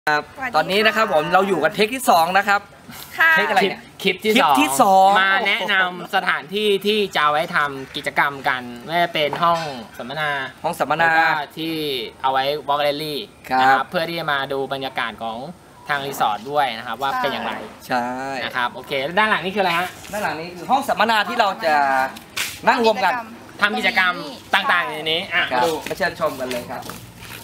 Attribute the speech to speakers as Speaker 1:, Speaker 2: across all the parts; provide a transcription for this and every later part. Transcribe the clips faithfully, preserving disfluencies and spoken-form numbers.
Speaker 1: ครับตอนนี้นะครับผมเราอยู่กันเทคที่สองนะครับเทคอะไรเนี่ย
Speaker 2: คลิปที่สองที่สองมาแนะนำสถานที่ที่จะไว้ทำกิจกรรมกันไม่ว่าเป็นห้องสัมมนา
Speaker 1: ห้องสัมมนา
Speaker 2: ที่เอาไว้วอล์กแรลลี่นะครับเพื่อที่จะมาดูบรรยากาศของทางรีสอร์ทด้วยนะครับว่าเป็นอย่างไร
Speaker 1: ใช่
Speaker 2: นะครับโอเคด้านหลังนี่คืออะไรฮะ
Speaker 1: ด้านหลังนี้คือห้องสัมมนาที่เราจะนั่งรวมกัน
Speaker 2: ทำกิจกรรมต่างๆในนี้อ่ะดู
Speaker 1: มาเชิญชมกันเลยครับ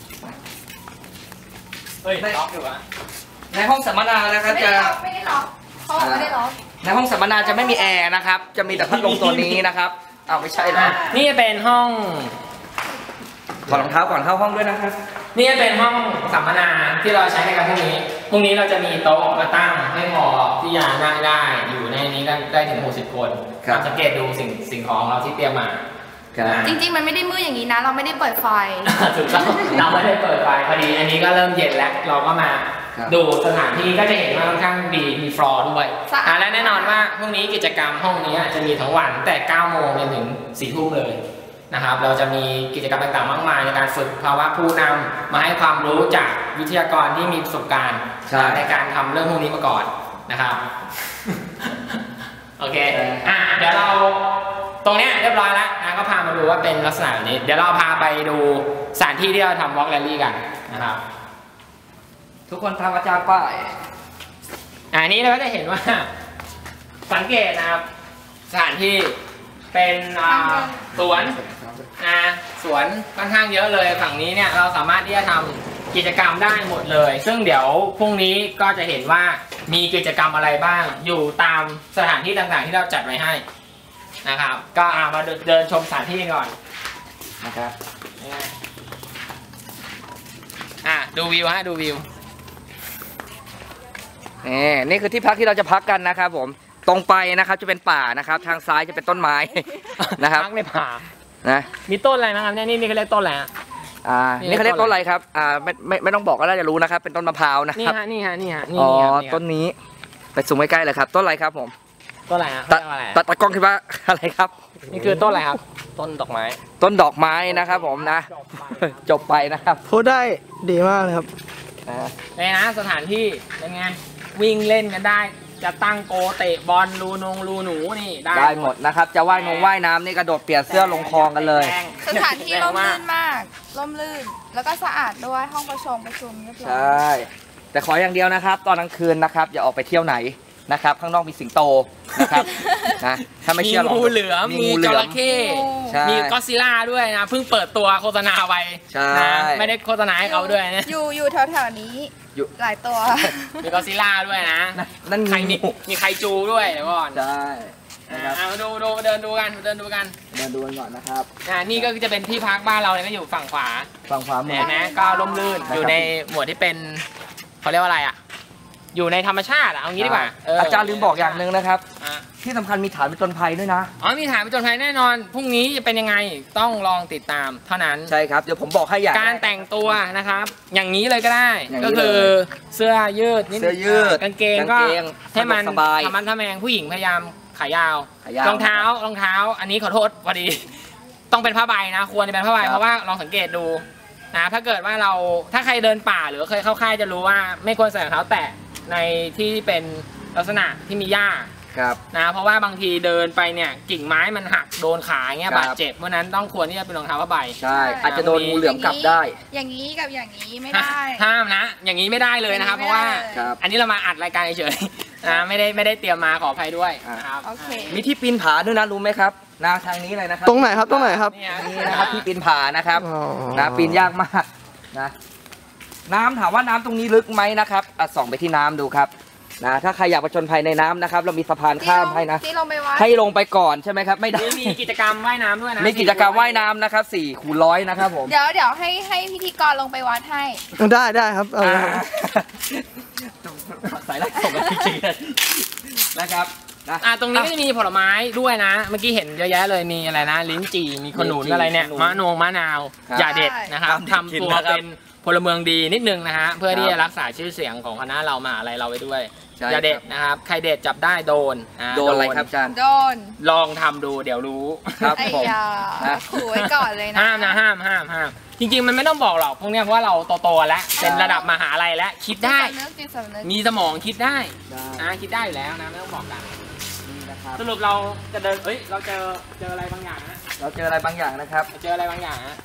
Speaker 2: เฮ้ยล็อกอยู่อะ
Speaker 1: ในห้องสัมมนานะครับจะ
Speaker 3: ไม่ได้ล็อกเขาไม่ได้ล็อก
Speaker 1: ในห้องสัมมนาจะไม่มีแอร์นะครับจะมีแต่พัดลมตัวนี้นะครับอ้าวไม่ใช่นะ
Speaker 2: นี่เป็นห้อง
Speaker 1: ถอดรองเท้าก่อนเข้าห้องด้วยนะครับ
Speaker 2: นี่เป็นห้องสัมมนาที่เราใช้ในการพรุ่งนี้พรุ่งนี้เราจะมีโต๊ะมาตั้งให้พอที่จะนั่งได้อยู่ในนี้ได้ถึงหกสิบคนสังเกตดูสิ่งสิ่งของเราที่เตรียมมา
Speaker 3: จริงๆมันไม่ได้มืดอย่างนี้นะเราไม่ได้เปิดไฟ
Speaker 2: ถูกต้องเราไม่ได้เปิดไฟพอดีอันนี้ก็เริ่มเย็นแล้วเราก็มาดูสถานที่ก็จะเห็นว่าค่อนข้างดีมีฟลอร์ด้วยและแน่นอนว่าพรุ่งนี้กิจกรรมห้องนี้จะมีทั้งวันแต่เก้าโมงจนถึงสี่ทุ่มเลยนะครับเราจะมีกิจกรรมต่างๆมากมายในการฝึกภาวะผู้นำมาให้ความรู้จากวิทยากรที่มีประสบการณ์ในการทำเรื่องพวกนี้มาก่อนนะครับโอเคอ่ะเดี๋ยวเราตรงนี้เรียบร้อยแล้วนะก็พามาดูว่าเป็นลักษณะแบบนี้เดี๋ยวเราพาไปดูสถานที่ที่เราทำวอล์กแรลลี่กันนะครับ
Speaker 1: ทุกคนทำอาจารย์ป้าย
Speaker 2: อันนี้เราก็จะเห็นว่าสังเกตนะครับสถานที่เป็นสวนนะสวนค่อนข้างเยอะเลยฝั่งนี้เนี่ยเราสามารถที่จะทำกิจกรรมได้หมดเลยซึ่งเดี๋ยวพรุ่งนี้ก็จะเห็นว่ามีกิจกรรมอะไรบ้างอยู่ตามสถานที่ต่างๆที่เราจัดไว้ให้นะครับก็มาเดินชมสถานที่ก่อน
Speaker 1: นะครับ
Speaker 2: อ่ะดูวิวฮะดูวิว
Speaker 1: นี่นี่คือที่พักที่เราจะพักกันนะครับผมตรงไปนะครับจะเป็นป่านะครับทางซ้ายจะเป็นต้นไม้นะครับ
Speaker 2: พักในป่า
Speaker 1: นะ
Speaker 2: มีต้นอะไรนะครับเนี่ยนี่นี่เขาเรียกต้นอะไรฮะ
Speaker 1: อ่านี่เขาเรียกต้นอะไรครับอ่าไม่ไม่ไม่ต้องบอกก็น่าจะรู้นะครับเป็นต้นมะพร้าวนะครับ
Speaker 2: นี่ฮะนี่ฮะนี่ฮะ
Speaker 1: อ๋อต้นนี้ไปสูงใกล้ๆเลยครับต้นอะไรครับผม
Speaker 2: ต้นอะไรฮะ
Speaker 1: ตะตะกล้องคิดว่าอะไรครับ
Speaker 2: นี่คือต้นอะไรครับต้นดอกไม้
Speaker 1: ต้นดอกไม้นะครับผมนะจบไปนะครับ
Speaker 4: พูดได้ดีมากเลยครับ
Speaker 2: นี่นะสถานที่เป็นไงวิ่งเล่นกันได้จะตั้งโกเตะบอลรูนงรูหนูนี่ได้
Speaker 1: ได้หมดนะครับจะว่ายนงว่ายน้ำนี่กระโดดเปลี่ยนเสื้อลงคลองกันเลย
Speaker 3: สถานที่ร่มรื่นมากร่มรื่นแล้วก็สะอาดด้วยห้องประชุมประชุมเรียบร้อย
Speaker 1: ใช่แต่ขออย่างเดียวนะครับตอนกลางคืนนะครับอย่าออกไปเที่ยวไหนนะครับข้างนอกมีสิงโตนะครับนะถ้าไม่เชื่อลอง
Speaker 2: มีงูเหลือมมีจระเข้มีก็อดซิลล่าด้วยนะเพิ่งเปิดตัวโฆษณาไปนะไม่ได้โฆษณาให้เขาด้วยนะ
Speaker 3: อยู่อยู่แถวๆนี้หลายตัว
Speaker 2: มีก็อดซิลล่าด้วยนะ
Speaker 1: นั่น
Speaker 2: ใครมีมีไคจูด้วยเดี๋ยวก่อน
Speaker 1: ใช่
Speaker 2: มาดูดูเดินดูกันเดินดูกัน
Speaker 1: เดินดูกันก่อนนะครับ
Speaker 2: อ่านี่ก็จะเป็นที่พักบ้านเราเลยก็อยู่ฝั่งขวา
Speaker 1: ฝั่งขวามื
Speaker 2: อนะก็ร่มรื่นอยู่ในหมวดที่เป็นเขาเรียกว่าอะไรอ่ะอยู่ในธรรมชาติเอางี้ดีกว่า
Speaker 1: อาจารย์ลืมบอกอย่างหนึ่งนะครับที่สำคัญมีฐานผจญภัยด้วยนะ
Speaker 2: อ๋อมีฐานผจญภัยแน่นอนพรุ่งนี้จะเป็นยังไงต้องลองติดตามเท่านั้น
Speaker 1: ใช่ครับเดี๋ยวผมบอกให้อย่าง
Speaker 2: การแต่งตัวนะครับอย่างนี้เลยก็ได้ก็คือเสื้อยืด
Speaker 1: เสื้อยืด
Speaker 2: กางเกงก็ให้มันทำมันทำแมงผู้หญิงพยายามขายาวรองเท้ารองเท้าอันนี้ขอโทษพอดีต้องเป็นผ้าใบนะควรจะเป็นผ้าใบเพราะว่าลองสังเกตดูนะถ้าเกิดว่าเราถ้าใครเดินป่าหรือเคยเข้าค่ายจะรู้ว่าไม่ควรใส่รองเท้าแตะในที่เป็นลักษณะที่มีหญ้านะเพราะว่าบางทีเดินไปเนี่ยกิ่งไม้มันหักโดนขาเงี้ยบาดเจ็บเพราะนั้นต้องควรที่จะเป็นรองเท้าผ้าใบ
Speaker 1: ใช่อาจจะโดนงูเหลือมกัดได้
Speaker 3: อย่างนี้กับอย่างนี้ไม่ได้
Speaker 2: ห้ามนะอย่างนี้ไม่ได้เลยนะครับเพราะว่าอันนี้เรามาอัดรายการเฉยๆนะไม่ได้ไม่ได้เตรียมมาขออภัยด้วย
Speaker 3: ครับ
Speaker 1: มีที่ปีนผาด้วยนะรู้ไหมครับนาทางนี้เลยนะครับ
Speaker 4: ตรงไหนครับตรงไหนครับ
Speaker 1: นี่นะครับที่ปีนผานะครับนะปีนยากมากนะน้ำถามว่าน้ำตรงนี้ลึกไหมนะครับส่องไปที่น้ำดูครับนะถ้าใครอยากผจญภัยในน้ำนะครับเรามีสะพานข้ามให้นะให้ลงไปก่อนใช่ไหมครับไม่ได้
Speaker 2: มีกิจกรรมว่ายน้ำด้วยนะ
Speaker 1: มีกิจกรรมว่ายน้ำนะครับสี่คูณร้อยนะครับผม
Speaker 3: เดี๋ยวเดี๋ยวให้ให้พิธีกรลงไปวัดให้
Speaker 4: ได้ได้ครับเอาละครับ
Speaker 1: สายแรกส่งมาจริงๆนะครับ
Speaker 2: อ่าตรงนี้ก็จะมีผลไม้ด้วยนะเมื่อกี้เห็นเยอะแยะเลยมีอะไรนะลิ้นจี่มีขนุนอะไรเนี่ยมะนงมะนาวอย่าเด็ดนะครับทำตัวเป็นผพลเมืองดีนิดนึงนะฮะเพื่อที่จะรักษาชื่อเสียงของคณะเรามหาลัยเราไว้ด้วย
Speaker 1: ใช่
Speaker 2: อย่าเด็ดนะครับใครเด็ดจับได้โดนอ่า
Speaker 1: โดนอะไรครับอาจารย์
Speaker 3: โดน
Speaker 2: ลองทำดูเดี๋ยวรู้
Speaker 1: ครับ
Speaker 3: ไอ้
Speaker 1: ผม
Speaker 3: ยา
Speaker 1: นะ
Speaker 3: ขู่ไว้ก่อนเลยนะ
Speaker 2: ห้ามนะห้ามห้ามห้ามจริง ๆ มันไม่ต้องบอกหรอกพวกเนี้ยเพราะว่าเราโตๆแล้วเป็นระดับมหาลัยแล้วคิดได้
Speaker 3: จิตสำนึกจิตสำนึก
Speaker 2: มีสมองคิดได้
Speaker 1: ได้
Speaker 2: อ่าคิดได้อยู่แล้วนะไม่ต้องบอกกัน
Speaker 1: นี่นะครับ
Speaker 2: สรุปเราจะเดินเอ้ยเราเจอเจออะไรบางอย่างนะ
Speaker 1: เราเจออะไรบางอย่างนะครับ
Speaker 2: เจออะไรบางอย่างนะ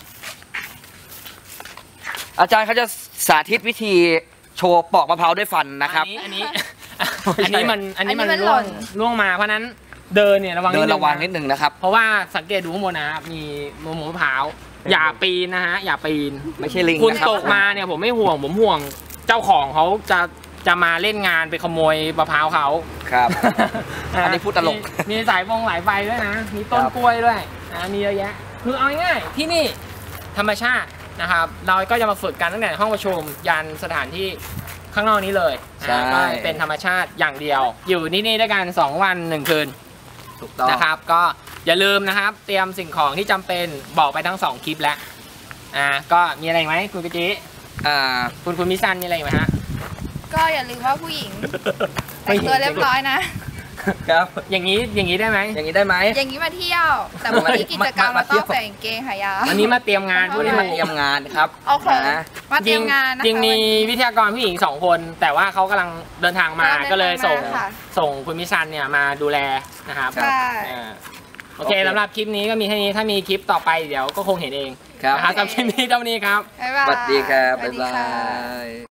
Speaker 1: อาจารย์เขาจะสาธิตวิธีโชว์ปอกมะพร้าวด้วยฟันนะครับ
Speaker 2: อันนี้
Speaker 1: ไม่ใช่
Speaker 2: อันนี้มันอันนี้มัน
Speaker 3: อันนี้มัน
Speaker 2: ล่วง
Speaker 3: หล่น
Speaker 2: ล่วงมาเพราะฉะนั้นเดินเนี่ยระวัง
Speaker 1: เดิน
Speaker 2: ดง
Speaker 1: ระวังนิดหนึ่งนะครับ
Speaker 2: เพราะว่าสังเกตดูข้างบนนะครับมีมะมะพร้าวอย่าปีนนะฮะอย่าปีน
Speaker 1: ไม่ใช่ลิง
Speaker 2: คุณ
Speaker 1: นะครับ
Speaker 2: ตกมาเนี่ยผมไม่ห่วงผมห่วงเจ้าของเขาจะจะมาเล่นงานไปขโมยมะพร้าวเขา
Speaker 1: ครับ อันนี้พูดตลก
Speaker 2: มีมีสายฟงหลายไฟด้วยนะ มีต้น
Speaker 1: ครับ
Speaker 2: กล้วยด้วยนะมีเยอะแยะ คือเอาง่ายๆที่นี่ธรรมชาตินะครับ เราก็จะมาฝึกกันตั้งแต่ห้องประชุมยันสถานที่ข้างนอกนี้เลย
Speaker 1: ใช่
Speaker 2: นะก็เป็นธรรมชาติอย่างเดียว อยู่ที่นี่ด้วยกันสองวันหนึ่งคืน
Speaker 1: ถูกต้อง
Speaker 2: นะครับ ก็อย่าลืมนะครับ เตรียมสิ่งของที่จำเป็นบอกไปทั้งสองคลิปแล้วอ่าก็มีอะไรอีกไหมคุณกะจิ
Speaker 1: อ่า
Speaker 2: คุณคุณมิซันมีอะไรอีกไหมฮะ
Speaker 3: ก็อย่าลืมว่าผู้หญิงแต่งตัวเรียบร้อยนะ
Speaker 1: ครับ
Speaker 2: อย่างนี้อย่างนี้ได้ไหม
Speaker 1: อย่างนี้ได้ไหม
Speaker 3: อย่างนี้มาเที่ยว แต่วันนี้กิจกรรม
Speaker 1: มา
Speaker 3: เรา
Speaker 1: เที่
Speaker 3: ต้
Speaker 1: ย
Speaker 3: อ
Speaker 1: ว
Speaker 3: งใส่กางเกงขายาว
Speaker 2: วันนี้มาเตรียมงาน
Speaker 3: เอา
Speaker 1: วันนี้มาเตรียมงานครับ
Speaker 3: โอเค
Speaker 1: นะ
Speaker 3: มาเตรียมงานนะคะ
Speaker 2: จริงมี
Speaker 3: วันนี้
Speaker 2: วิทยากรผู้หญิงสองคน แต่ว่าเขากำลังเดินทางมา
Speaker 3: เดินทาง
Speaker 2: ก็เลยส่ง
Speaker 3: มาค่ะ
Speaker 2: ส่งคุณมิซันเนี่ยมาดูแลนะครับ
Speaker 3: ใช่
Speaker 2: อ่าโอเคสำหรับคลิปนี้ก็มีแค่นี้ถ้ามีคลิปต่อไปเดี๋ยวก็คงเห็นเอง
Speaker 1: ครับ
Speaker 2: นะครับสำหรับคลิปนี้เท่านี้ครับ
Speaker 3: บ๊ายบาย
Speaker 1: สวัสดีครับ
Speaker 3: สวั
Speaker 1: บ๊า
Speaker 3: ส
Speaker 1: ย
Speaker 3: ดี
Speaker 1: บา
Speaker 3: ค่ะ
Speaker 1: ย